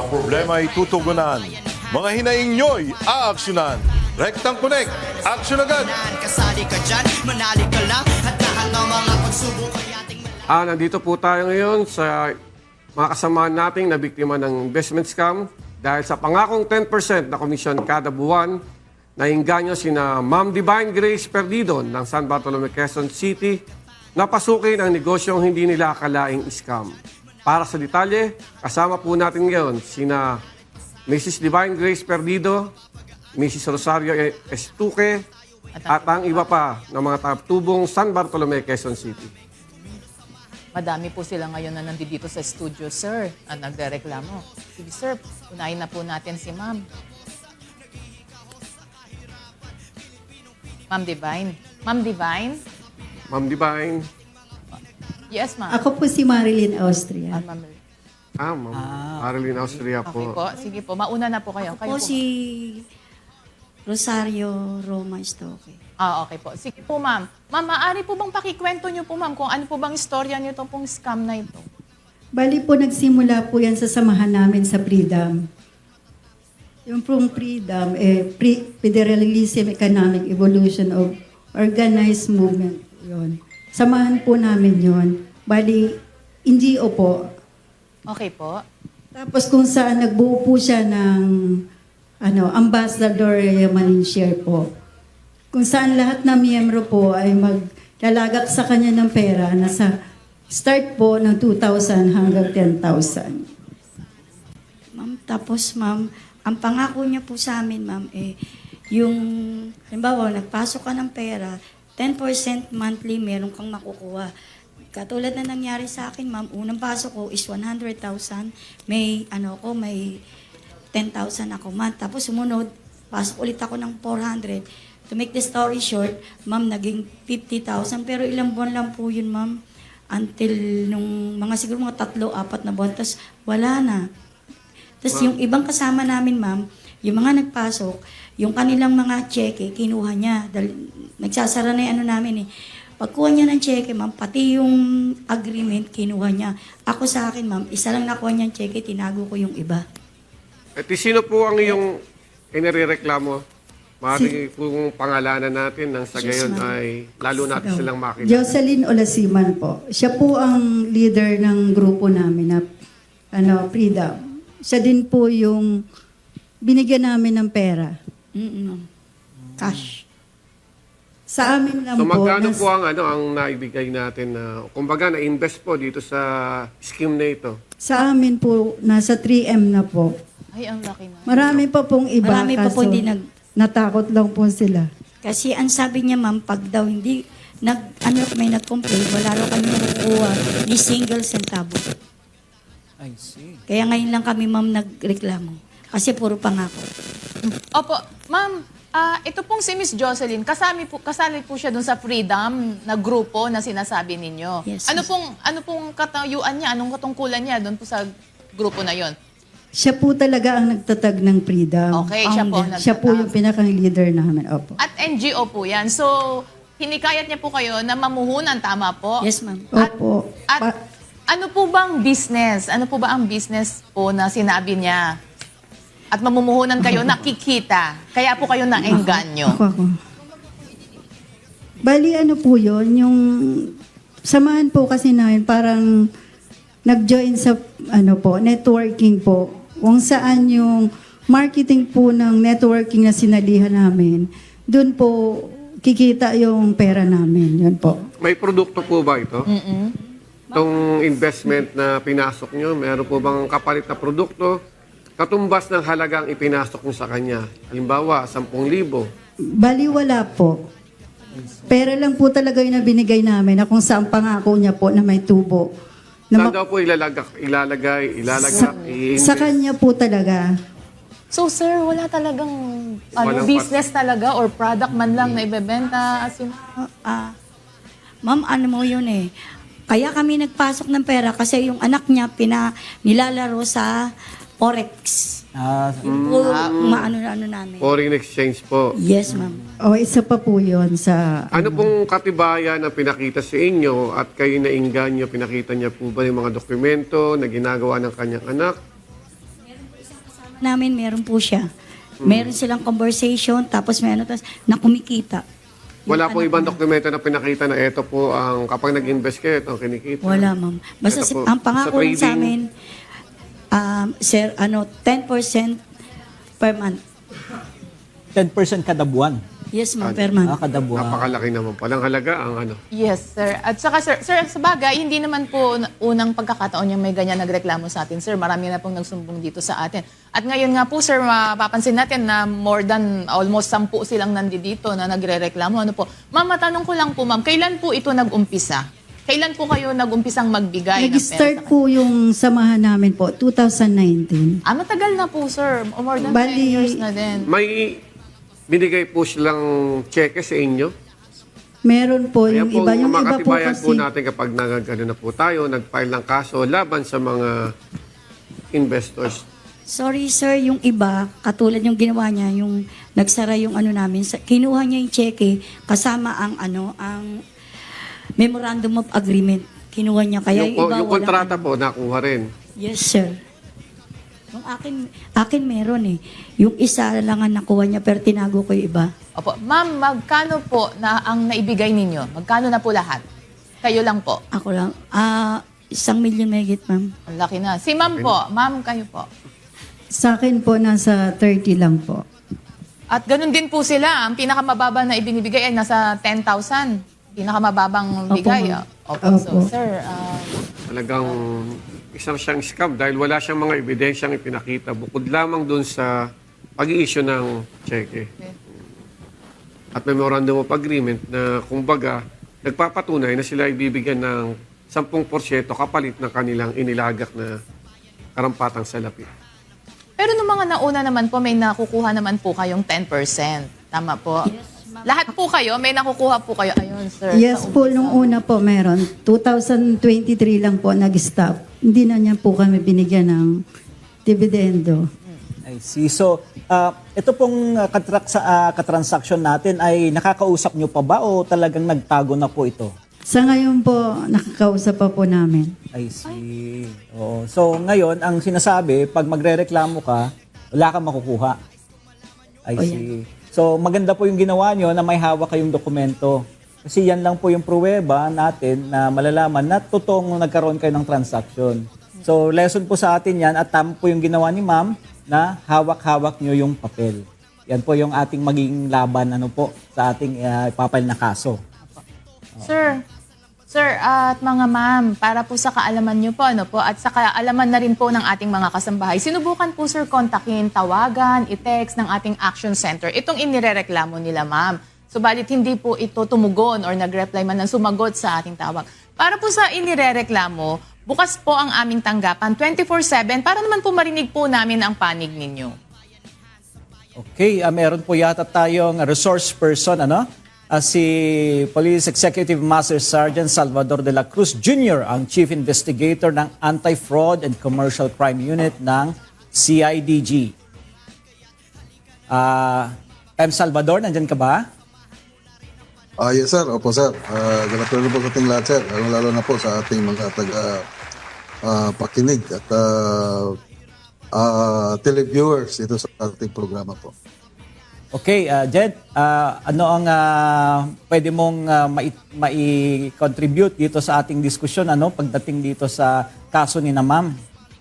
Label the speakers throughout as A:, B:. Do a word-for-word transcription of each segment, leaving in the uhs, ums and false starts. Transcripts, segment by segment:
A: problema ay tutugunan. Mga hinaing nyo'y aaksyonan. Rectang Connect, aksyon agad!
B: Kasali ka dyan, manali ka lang at lahat ng mga pagsubok ay ating
C: Ah, nandito po tayo ngayon sa mga kasamahan nating na biktima ng investment scam dahil sa pangakong ten percent na komisyon kada buwan, nainganyo sina Ma'am Divine Grace Perdido ng San Bartolome, Quezon City na pasukin ang negosyong hindi nila akalaing scam. Para sa detalye, kasama po natin ngayon sina Missus Divine Grace Perdido, Missus Rosario Estuque, at ang iba pa ng mga tagatubong San Bartolome, Quezon City.
D: Madami po sila ngayon na nandito sa studio, sir, at nagrereklamo. Sige, sir, unahin na po natin si ma'am. Ma'am Divine. Ma'am Divine?
C: Ma'am Divine.
D: Yes, ma'am.
E: Ako po si Marilyn Austria.
D: Ah, ma'am.
C: Ah, Ma'am Marilyn Austria
D: Okay
C: po.
D: po. Sige po, mauna na po kayo. Kayo
F: Ako
D: po.
F: si Rosario Roma Estoque.
D: Ah, okay po. Sige po, ma'am. Ma'am, maaari po bang pakikwento niyo po, ma'am, kung ano po bang istorya niyo pong scam na ito?
E: Bali po, nagsimula po yan sa samahan namin sa Freedom. Yung pong Freedom, eh, pre Federalism Economic Evolution of Organized Movement. Yun. Samahan po namin yon. Bali, N G O po.
D: Okay po.
E: Tapos kung saan nagbuo po siya ng ano, ambassador money share po. Kung saan lahat ng miyembro po ay maglalagak sa kanya ng pera na sa start po ng two thousand hanggang ten thousand.
F: Ma'am, tapos ma'am, ang pangako niya po sa amin, ma'am, eh, yung, halimbawa, nagpasok ka ng pera, ten percent monthly meron kang makukuha. Katulad na nangyari sa akin, ma'am, unang pasok ko is one hundred thousand, may, ano ko, may ten thousand ako month. Tapos sumunod, pasok ulit ako ng four hundred. To make the story short, ma'am, naging fifty thousand. Pero ilang buwan lang po yun, ma'am. Until nung mga siguro mga tatlo, apat na buwan. Tapos wala na. Tapos yung ibang kasama namin, ma'am, yung mga nagpasok, yung kanilang mga cheque, kinuha niya. Dahil nagsasara na yung ano namin eh. Pagkuha niya ng cheque, ma'am, pati yung agreement, kinuha niya. Ako sa akin, ma'am, isa lang nakuha niyang cheque, tinago ko yung iba.
C: At sino po ang iyong inireklamo? Maaari kung pangalanan natin nang sa gayon ay lalo natin silang makilala.
E: Jocelyn Olasiman po. Siya po ang leader ng grupo namin na ano, Freedom. Siya din po yung binigyan namin ng pera.
F: Mm-mm. Cash.
E: Sa amin lang
C: So
E: po.
C: magkano
E: nas-
C: po ang ano ang naibigay natin na kumbaga na-invest po dito sa scheme na ito?
E: Sa amin po, nasa three M na po.
D: Ay, ang laki na.
E: Marami pa pong iba.
F: Marami pa po
E: kaso
F: hindi nag-
E: Natakot lang po sila.
F: Kasi ang sabi niya, ma'am, pag daw hindi, nag, ano, may nag-complain, wala raw kami nakukuha ni single centavo.
G: I see.
F: Kaya ngayon lang kami, ma'am, nagreklamo. Kasi puro pangako.
D: Opo, ma'am, ah, ito pong si Miss Jocelyn, kasali po, kasali po siya dun sa Freedom na grupo na sinasabi ninyo.
F: Yes,
D: ano
F: yes.
D: pong ano pong katayuan niya, anong katungkulan niya dun po sa grupo na yon?
E: Siya po talaga ang nagtatag ng Freedom.
D: Okay, siya po
E: Founder. Siya po
D: nagtatag.
E: yung pinaka-leader namin. Opo.
D: At N G O po yan. So, hinikayat niya po kayo na mamuhunan, tama po?
F: Yes, ma'am.
D: At,
E: Opo.
D: at
E: Pa-
D: ano po bang business? Ano po ba ang business po na sinabi niya? At mamumuhunan kayo, nakikita. Kaya po kayo naengganyo.
E: Ako, ako. Bali, ano po yun, yung samahan po kasi namin, parang nag-join sa, ano po, networking po. Kung saan yung marketing po ng networking na sinalihan namin, doon po kikita yung pera namin. Yun po.
C: May produkto po ba ito?
D: Mm-mm.
C: Itong investment na pinasok nyo, meron po bang kapalit na produkto? Katumbas ng halagang ipinasok nyo sa kanya. Halimbawa, ten libo.
E: Bali, wala po. Pera lang po talaga yung binigay namin na kung saan pangako niya po na may tubo. Na
C: Saan
E: ma-
C: daw po ilalagak, ilalagay,
E: sa,
C: ilalagak, i-invest?
E: sa kanya po talaga.
D: So, sir, wala talagang ano,
C: Walang
D: business talaga or product man lang na ibebenta? As in,
F: Ah, ah, ma'am, ano mo yun eh. Kaya kami nagpasok ng pera kasi yung anak niya pina, nilalaro sa Forex.
G: Ah,
F: Puro maano na ano namin.
C: Foreign exchange po.
F: Yes, ma'am.
E: O, isa pa po yun sa...
C: Ano pong katibayan ang pinakita sa inyo at kayo nainggan nyo, pinakita niya po ba yung mga dokumento na ginagawa ng kanyang anak?
F: namin meron po siya. Meron silang conversation, tapos meron tapos na kumikita.
C: Wala
F: Yung
C: po
F: anak
C: ibang
F: niya.
C: dokumento na pinakita na ito po ang kapag nag-invest kayo, ito ang kinikita.
F: Wala, ma'am. Basta
C: Ito
F: si,
C: po,
F: ang pangako
C: sa
F: lang sa
C: trading,
F: amin, um, sir, ano, ten percent per month.
G: ten percent kada buwan.
F: Yes, ma'am, per month.
G: Ah, kada buwan.
C: Napakalaki naman palang halaga ang ano.
D: Yes, sir. At saka, sir, sir, sa bagay, hindi naman po na- unang pagkakataon yung may ganyan nagreklamo sa atin, sir. Marami na pong nagsumbong dito sa atin. At ngayon nga po, sir, mapapansin natin na more than almost sampu silang nandito na nagre-reklamo. Ano po? Ma'am, matanong ko lang po, ma'am, kailan po ito nag-umpisa? Kailan po kayo nag-umpisang magbigay ng pera
E: Nag-start
D: sa
E: po yung samahan namin po, two thousand nineteen.
D: Ah, matagal na po, sir. More than
E: Bali-
D: ten years na din.
C: May binigay po silang cheque sa inyo.
E: Meron po
C: Kaya
E: yung
C: po,
E: iba. Yung iba po
C: makatibayan
E: kasi,
C: po natin kapag nag, ano na po tayo, nag-file ng kaso laban sa mga investors.
F: Sorry, sir, yung iba, katulad yung ginawa niya, yung nagsara yung ano namin, sa- kinuha niya yung cheque kasama ang ano, ang memorandum of agreement. Kinuha niya. Kaya
C: yung,
F: yung iba,
C: yung
F: walang
C: kontrata
F: ano.
C: po, nakuha rin.
F: Yes, sir. Yung akin, akin meron eh. Yung isa lang ang nakuha niya, pero tinago ko yung iba.
D: Opo. Ma'am, magkano po na ang naibigay ninyo? Magkano na po lahat? Kayo lang po.
F: Ako lang. Ah, isang milyon megit, ma'am.
D: Ang laki na. Si ma'am po. Ma'am, kayo po.
E: sa akin po, nasa thirty lang po.
D: At ganun din po sila. Ang pinakamababa na ibinibigay ay nasa ten thousand. Pinakamababang
E: Opo,
D: bigay.
E: ma'am.
D: Opo. So,
E: Opo.
D: sir, ah,
C: Talagang isang siyang scam dahil wala siyang mga ebidensyang ipinakita bukod lamang dun sa pag-i-issue ng cheque. At memorandum of agreement na kumbaga nagpapatunay na sila ibibigyan ng ten percent kapalit ng kanilang inilagak na karampatang salapi.
D: pero nung mga nauna naman po, may nakukuha naman po kayong ten percent. Tama po? Lahat po kayo, may nakukuha po kayo. Ayun, sir.
E: Yes
D: sa
E: po,
D: umpisa.
E: nung una po meron. two thousand twenty-three lang po nag-stop. Hindi na niya po kami binigyan ng dividendo.
G: I see. So, ah, ito pong uh, katrak sa ah, katransaksyon natin ay nakakausap nyo pa ba o talagang nagtago na po ito?
E: Sa ngayon po, nakakausap pa po namin.
G: I see. Oo. So, ngayon, ang sinasabi, pag magrereklamo ka, wala kang makukuha. I
E: O,
G: see. So, maganda po yung ginawa nyo na may hawak kayong dokumento. Kasi yan lang po yung pruweba natin na malalaman na totoong nagkaroon kayo ng transaction. So, lesson po sa atin yan at tama po yung ginawa ni ma'am na hawak-hawak nyo yung papel. Yan po yung ating magiging laban ano po sa ating uh, papel na kaso.
D: Sir, sir, at mga ma'am, para po sa kaalaman nyo po, ano po, at sa kaalaman na rin po ng ating mga kasambahay, sinubukan po, sir, kontakin, tawagan, i-text ng ating action center. Itong inirereklamo nila, ma'am. Subalit hindi po ito tumugon or nag-reply man ng sumagot sa ating tawag. Para po sa inirereklamo, bukas po ang aming tanggapan twenty-four seven para naman po marinig po namin ang panig ninyo.
G: Okay, ah, meron po yata tayong resource person, ano? Ah, si Police Executive Master Sergeant Salvador de la Cruz Junior, ang Chief Investigator ng Anti-Fraud and Commercial Crime Unit ng C I D G. Ah, M. Salvador, nandyan ka ba?
H: Ah, yes sir, opo sir. Uh, Ganapero po sa ating lahat sir, lalo, lalo na po sa ating mga taga ah, pakinig at uh, uh, televiewers ito sa ating programa po.
G: Okay, uh, Jed, ah, ano ang ah, pwede mong ah, mai- mai-contribute dito sa ating diskusyon ano, pagdating dito sa kaso ni na ma'am?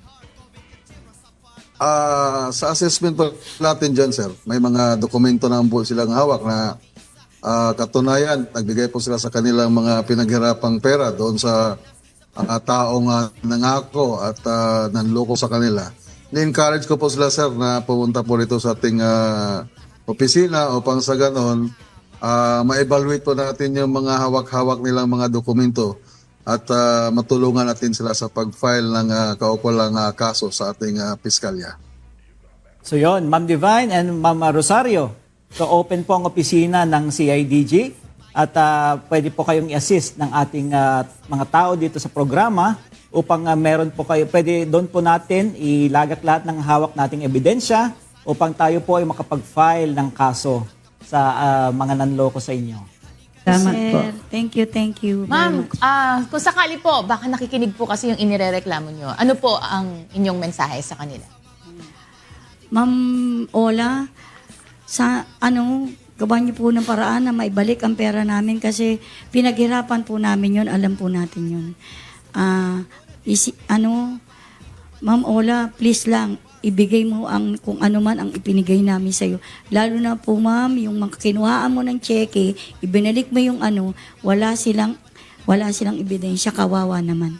H: Ah, sa assessment po natin dyan sir, may mga dokumento na po silang hawak na ah, katunayan, nagbigay po sila sa kanilang mga pinaghirapang pera doon sa ah, taong uh, nangako at ah, nanloko sa kanila. Ni-encourage ko po sila sir na pumunta po rito sa ating ah, opisina upang sa ganon ah, ma-evaluate po natin yung mga hawak-hawak nilang mga dokumento at ah, matulungan natin sila sa pag-file ng uh, kaukulang ah, kaso sa ating ah, piskalya.
G: So yon, Ma'am Divine and Ma'am Rosario. So open po ang opisina ng C I D G at ah, pwede po kayong i-assist ng ating ah, mga tao dito sa programa upang ah, meron po kayo, pwede doon po natin ilagak lahat ng hawak nating ebidensya upang tayo po ay makapag-file ng kaso sa ah, mga nanloko sa inyo.
E: Salamat
F: Sir,
E: po.
F: thank you, thank you. very
D: Ma'am,
F: much.
D: ah, kung sakali po, baka nakikinig po kasi yung inirereklamo nyo. Ano po ang inyong mensahe sa kanila?
F: Ma'am Ola, sa ano, gawan niyo po ng paraan na maibalik ang pera namin kasi pinaghirapan po namin yun, alam po natin yun. Ah, isi, ano, Ma'am Ola, please lang, ibigay mo ang kung ano man ang ipinigay namin sa iyo. Lalo na po, ma'am, yung mga kinuhaan mo ng cheque, ibinalik mo yung ano, wala silang wala silang ebidensya, kawawa naman.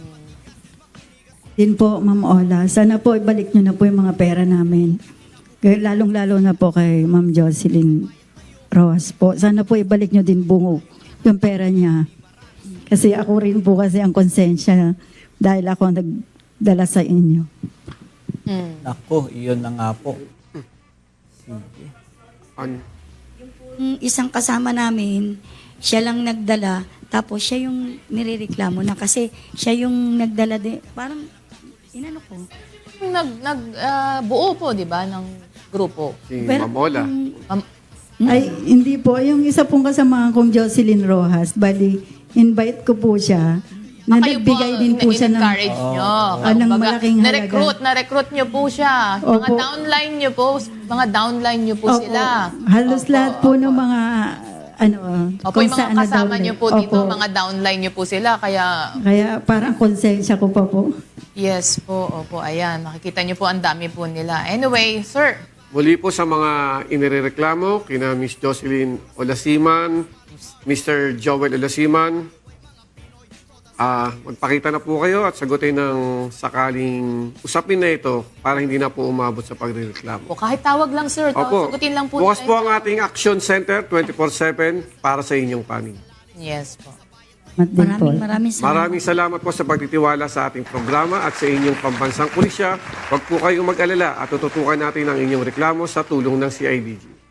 E: Din po, Ma'am Ola, sana po ibalik nyo na po yung mga pera namin. Kaya lalong-lalo na po kay Ma'am Jocelyn Rojas po. Sana po ibalik nyo din bungo yung pera niya. Kasi ako rin po kasi ang konsensya dahil ako ang nagdala sa inyo.
G: Nako, iyon na nga po. Sige.
C: An-
F: Yung isang kasama namin, siya lang nagdala, tapos siya yung nirereklamo na kasi siya yung nagdala din. Parang, inano ko.
D: Nag, nag, ah, buo po, di ba, ng grupo.
C: si
F: Pero,
C: Ma'am Ola.
D: Ma'am-
E: Ay, hindi po. Yung isa pong kasama kong Jocelyn Rojas, bali, invite ko po siya. Na
D: Kayo
E: nagbigay din po siya ng...
D: in-encourage nyo.
E: Ah, ng
D: Kumbaga,
E: malaking halaga.
D: Na-recruit, na-recruit nyo po siya. Mga
E: Opo.
D: downline nyo po, mga downline nyo po
E: Opo.
D: sila.
E: Halos
D: Opo,
E: lahat po
D: opo.
E: ng mga, ano,
D: Opo,
E: kung
D: yung mga
E: saan na
D: kasama
E: downline.
D: nyo po dito,
E: Opo.
D: mga downline nyo po sila. Kaya,
E: Kaya parang konsensya ko pa po.
D: yes po, opo, ayan. Makikita nyo po ang dami po nila. Anyway, sir,
C: Muli po sa mga inireklamo, kina Miss Jocelyn Olasiman, Mister Joel Olasiman, ah magpakita na po kayo at sagutin ng sakaling usapin na ito para hindi na po umabot sa pagrereklamo.
D: po, kahit tawag lang, sir. Tawag,
C: Opo,
D: sagutin lang po.
C: bukas
D: nila
C: po
D: ito.
C: ang ating Action Center twenty-four seven para sa inyong panig.
D: Yes po.
E: Mat din po.
F: Maraming maraming salamat.
C: Maraming salamat po sa pagtitiwala sa ating programa at sa inyong pambansang pulisya. Huwag po kayong mag-alala at tututukan natin ang inyong reklamo sa tulong ng C I D G.